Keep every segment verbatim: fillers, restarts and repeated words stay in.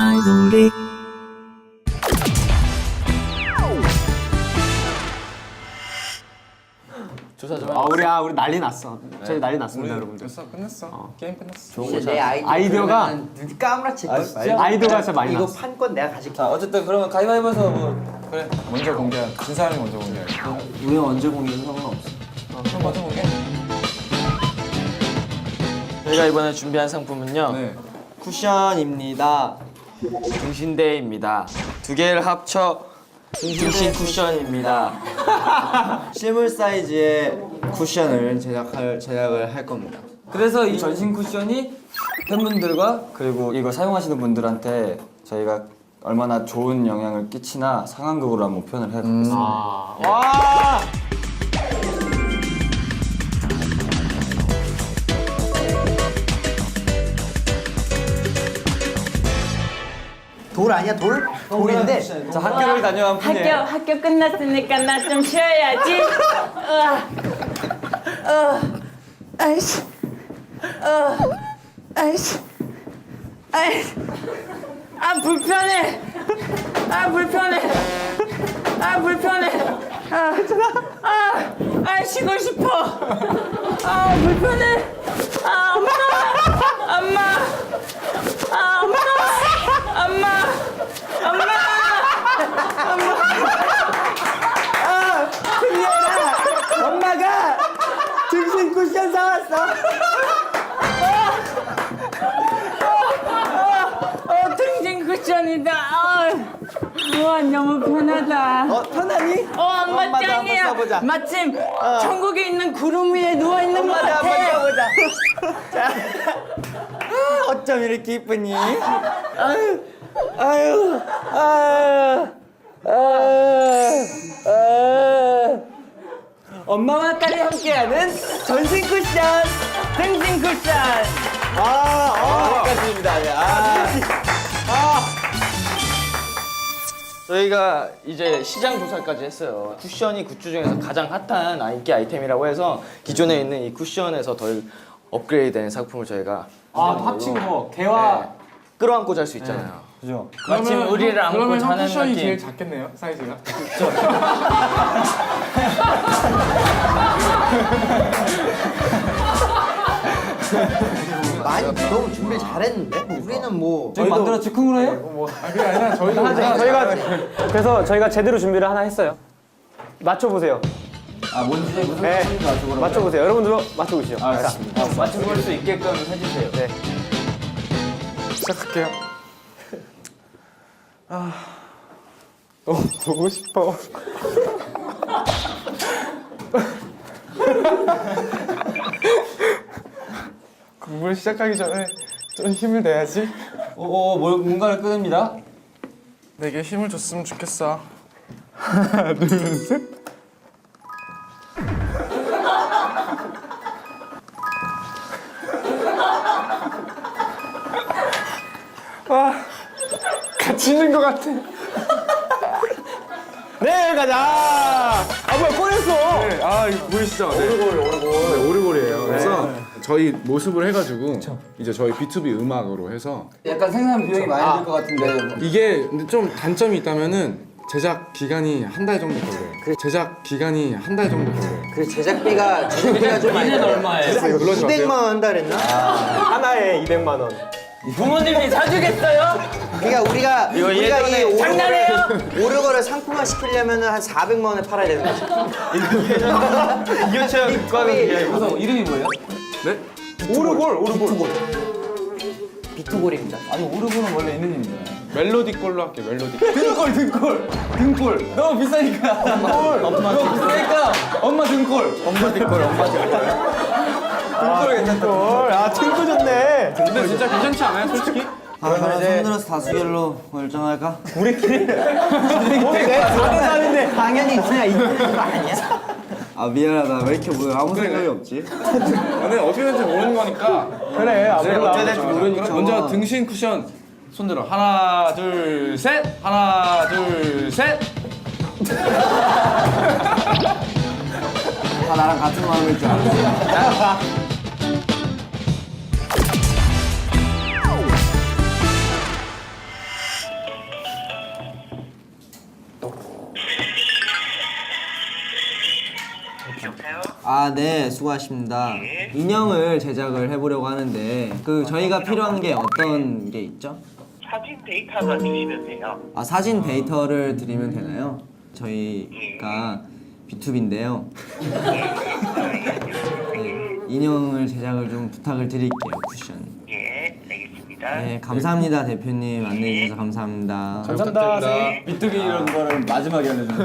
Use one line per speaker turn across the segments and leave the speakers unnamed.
아이돌이
조사 좀.
아 우리 아 우리 난리 났어. 저희 난리 났습니다, 여러분들.
됐어, 끝났어. 어. 게임 끝났어.
좋은 거
내
잘.
아이디어가
눈 까무라칠 걸.
아이디어가 진짜 많이
이거
났어.
판권 내가 가질게.
자 어쨌든 그러면 가위바위보에서 뭐
그래, 먼저 공개. 진 사람이 먼저 공개.
우리 언제 공개도 상관없어.
어, 그럼 먼저 공개.
저희가 이번에 준비한 상품은요.
네.
쿠션입니다. 등신대입니다. 두 개를 합쳐 등신 쿠션입니다.
실물 사이즈의 쿠션을 제작할 제작을 할 겁니다.
그래서 이 전신 쿠션이 팬분들과 그리고 이거 사용하시는 분들한테 저희가 얼마나 좋은 영향을 끼치나 상황극으로 한번 표현을 해보겠습니다.
아, 와!
돌 아니야 돌? 돌인데.
자 학교를 다녀온
학교
분이에요.
학교 끝났으니까 나 좀 쉬어야지. 으아. 어. 아이씨. 어. 아이씨. 아이씨. 아 불편해. 아 불편해. 아 불편해. 아, 아, 아 쉬고 싶어. 아 불편해. 아 엄마. 엄마. 아 엄마. 엄마. 엄마.
엄마가 등신 쿠션 사왔어.
어, 등진 쿠션이다. 어, 와, 너무 편하다.
어 편하니?
어, 엄마
엄마도
짱이야.
한번 써보자.
마침 천국에 있는 구름 위에 누워 있는 것
엄마도 한번
같아.
써보자. 자, 아, 어쩜 이렇게 이쁘니? 아유, 아유, 아유, 아유, 아유. 엄마와 딸이 함께하는 전신 쿠션.
등진 쿠션.
아, 어, 여기까지입니다. 아,
저희가 이제 시장 조사까지 했어요. 쿠션이 굿즈 중에서 가장 핫한 아- 인기 아이템이라고 해서 기존에 있는 이 쿠션에서 덜 업그레이드된 상품을 저희가
아, 합친 거 개와
네, 끌어안고 잘 수 있잖아요.
그죠?
마침 우리를 안고
그러면 형
자는
쿠션이
느낌.
제일 작겠네요, 사이즈가.
많이 너무 준비 잘했는데? 우리는 뭐
저희 만들어 즉흥으로 해요?
뭐, 아, 그게 아니라 저희도
아, 저희가 그래서 저희가 제대로 준비를 하나 했어요. 맞춰보세요.
아 뭔지 무슨
네,
말인지 맞춰보라고.
맞춰보세요. 여러분들도 맞춰보시죠.
아, 알겠습니다. 맞춰볼 수 있게끔 해주세요. 네.
시작할게요. 아, 너무 보고 싶어. 공부를 시작하기 전에 좀 힘을 내야지.
오, 오, 뭘, 뭔가를 끊습니다.
내게 힘을 줬으면 좋겠어. 하나, 둘, 셋. 와, 같이 있는 것 같아.
네, 가자. 아, 뭐야, 꺼냈어.
네, 아, 이거 보이시죠? 네. 오르골, 오르골. 네, 오르골이에요. 그래서 저희 모습을 해가지고 이제 저희 비투비 음악으로 해서
약간 생산 비용이 많이 들 것 같은데.
이게 근데 좀 단점이 있다면은 제작 기간이 한 달 정도 걸려요. 제작 기간이 한 달 정도 걸려요.
그 제작비가 제작비가 좀 많이 들어요.
얼마예요?
이거 놀라지 마세요.
이백만 원 한다 그랬나?
하나에 이백만 원.
부모님이 사주겠어요?
그러니까 우리가 우리가 이 오르골을,
장난해요?
오르골을 상품화 시키려면 한 사백만 원에 팔아야 되는 거지.
이현철 국가는
우선
이름이 뭐예요?
네?
오르골, 오르골.
비투골입니다.
아니 오르골은 원래 있는 이름이잖아요.
멜로디 걸로 할게요. 멜로디.
등골 등골 등골 너무 비싸니까 등골 엄마 너무 비싸니까 엄마 등골 엄마 등골 엄마 등골 등골 괜찮다.
헐, 아, 팅크 좋네.
근데 진짜 괜찮지 않아요, 솔직히?
아, 손들어서 다수결로 결정할까?
우리끼리. 내 다른 사람인데.
당연히 그냥 이기는 거 아니야? 아 미안하다. 왜 이렇게 뭐 아무 생각이 없지?
근데 어떻게 될지 모르는 거니까.
그래, 아,
네,
몰라.
어떻게 될지 모르니까. 먼저 등신 쿠션 손들어. 하나, 둘, 셋. 하나, 둘, 셋.
다 나랑 같은 마음일 줄 알았어. 아, 네, 수고하십니다. 인형을 제작을 해보려고 하는데 그 저희가 필요한 게 어떤 게 있죠?
사진 데이터만 주시면 돼요.
아, 사진 데이터를 드리면 되나요? 저희가 비투비인데요. 네, 인형을 제작을 좀 부탁을 드릴게요, 쿠션.
예, 알겠습니다.
네, 감사합니다, 대표님. 안내해주셔서 감사합니다.
감사합니다. 선생님.
비투비 이런 거를 마지막에 알려주면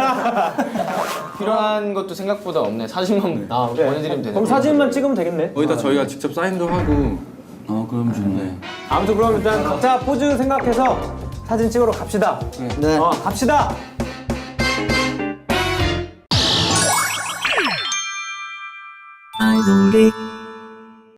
필요한 것도 생각보다 없네. 사진만 아, 보내드리면 되네.
그럼 사진만 찍으면 되겠네.
거기다 저희가 직접 사인도 하고.
어, 그럼 좋네.
아무튼 그럼 일단 각자 포즈 생각해서 사진 찍으러 갑시다.
네.
어, 갑시다.
아이돌이